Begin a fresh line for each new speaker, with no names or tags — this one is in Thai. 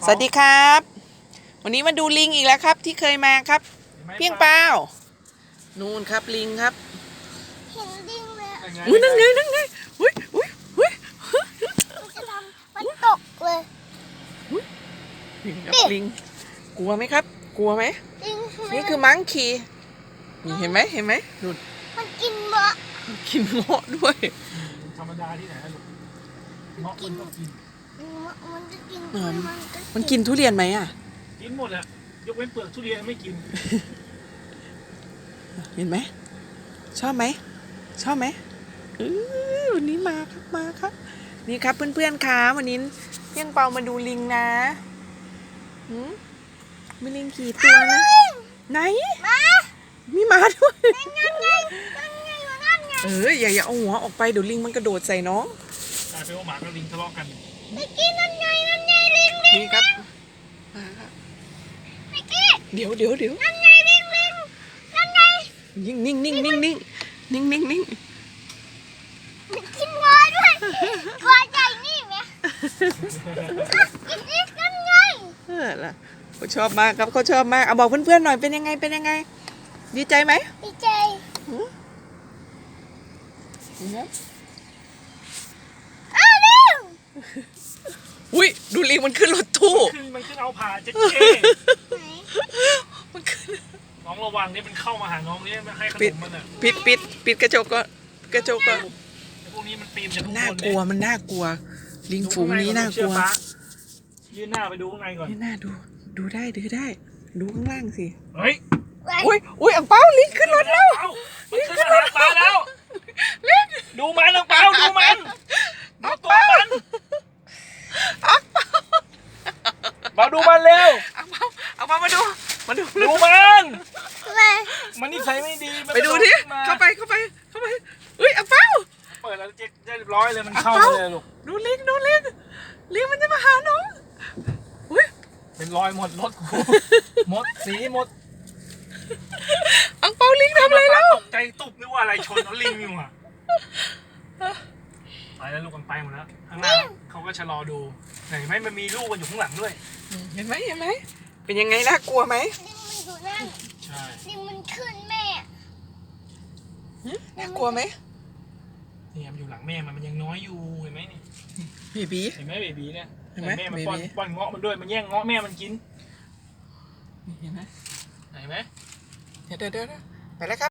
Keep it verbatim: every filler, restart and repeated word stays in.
สวัสดีครับวันนี้มาดูลิงอีกแล้วครับที่เคยมาครับเพียงเปล่านู่นครับลิงครับ
เห็นลิงเลย
อุ้ยนั่งไงนั่งไงอุ้ยอุ้ยอุ้ย
มันจะทำมันตกเลย
ลิงครับลิงกลัวไหมครับกลัวไหม
ลิง
นี่คือมังคีนี่เห็นไหมเห็นไหมนู่น
มันกินเบาะ
มันกินเงาะด้วย
ธรรมดาที่ไหนลูกเงาะมันก็กิน
มันจะกิน
เออ
มันก็
มันกินทุเรียนไหมอ่ะ
กินหมดอะยกเว้นเปลือกทุเรียนไม่กิน
เห็นไหมชอบไหมชอบไหมเออวันนี้มาครับมาครับนี่ครับเพื่อนๆครับวันนี้เพียงเปามาดูลิงนะหืมมีลิงกี่ตัวนะไหน
มา
มีหมาด้วย
นั่นไงนั่นไงนั่นไง
เอออย่าอย่าเอาหัวออกไปเดี๋ยวลิงมันกระโดดใส่น้อง
กลายเป็นว่าหมากับลิงทะเลาะกัน
ไปกินนั่นไงนั่นไงลิงลิง
นี่ครับมาครับ
ไปกิน
เดี๋ยวเดี๋ยวเดี๋ยว
นั่นไงลิงลิงนั่นไง
นิ่งนิ่งนิ่งนิ่งนิ่งนิ่งนิ่งนิ่ง
มันกินงอด้วยงอใหญ่นี่ไหมกินอีกนั่นไง
เออล่ะเขาชอบมากครับเขาชอบมากเอาบอกเพื่อนๆหน่อยเป็นยังไงเป็นยังไง ดีใจไหม
ดีใจ อ้าวลิง
อุ้ยดูลิงมันขึ้นรถตู้
ขึ้นมันขึ้นเอาผ่าเจ๊เจ
ไหน
มันขึ้น
น้องระวังนี่มันเข้ามาหาน้องนี่ไม่ให้ขน
ปิด
มมันอะ
ปิดปิดปิดกระจกก่อนกระจกก่อน
ไอ้พวกนี้มันปีนจากข้างบน
น่ากลัวมันน่ากลัว ลิงฝูงนี้น่ากลัว
ยืนหน้าไปดูข้างในก่อน
นี่น่าดูดูได้ดูได้ ดูข้างล่างสิ
เฮ้ย
อุ้ยอุ้ยอังเปาลิงขึ้นรถแล้ว
เอ้ามันขึ้นมาหาปลาแล้วดูมันอังเปาดูมันดูตัวมัน
อังเปา
มาดูมันเร็ว
อังเปาอังเปามาดูมาดู
ดูมัน
มา
มันนิสัยไม่ดีมัน
ไปดูดิ
กระโขึ้นมา
เข้าไปเข้าไปเข้าไปอุ้ยอังเปา
เปิดแล้วเจ๊เรียบร้อยเลยมันเข้า
อัง
มา
เปา
เลยลูก
ดูลิงดูลิงลิงมันจะมาหาน้องอุ้ย
เป็นรอยหมดรถกูหมดสีหมด
อังเปาลิงทำอะไรแล้ว
ตกใจตุบนึกว่าอะไรชนแล้วลิงอยู่อ่ะไปแล้วลูกมันไปหมดแล้วข้างหน้าเขาก็ชะลอดูเห็นไหมมันมีลูกมันอยู่ข้างหลังด้วย
เห็นไหมเห็นไหมเป็นยังไงน่ากลัวไหม
ลิงมันอยู่นั่น
ใช่
ลิงมันขึ้นแม่
น่ากลัวไหม
เนี่ยมันอยู่หลังแม่มันมันยังน้อยอยู่เห็นไหมนี่
เบบี
เห็นไหมเบบีเนี่ย
เห็นไหม
แม่มันป้อน
เบบี
ป้อนเงาะมันด้วยมันแย่งเงาะแม่มันกิน
เห็นไหม
เห็นไหม
เดี๋ยวเดี๋ยวเดี๋ยวไปแล้วครับ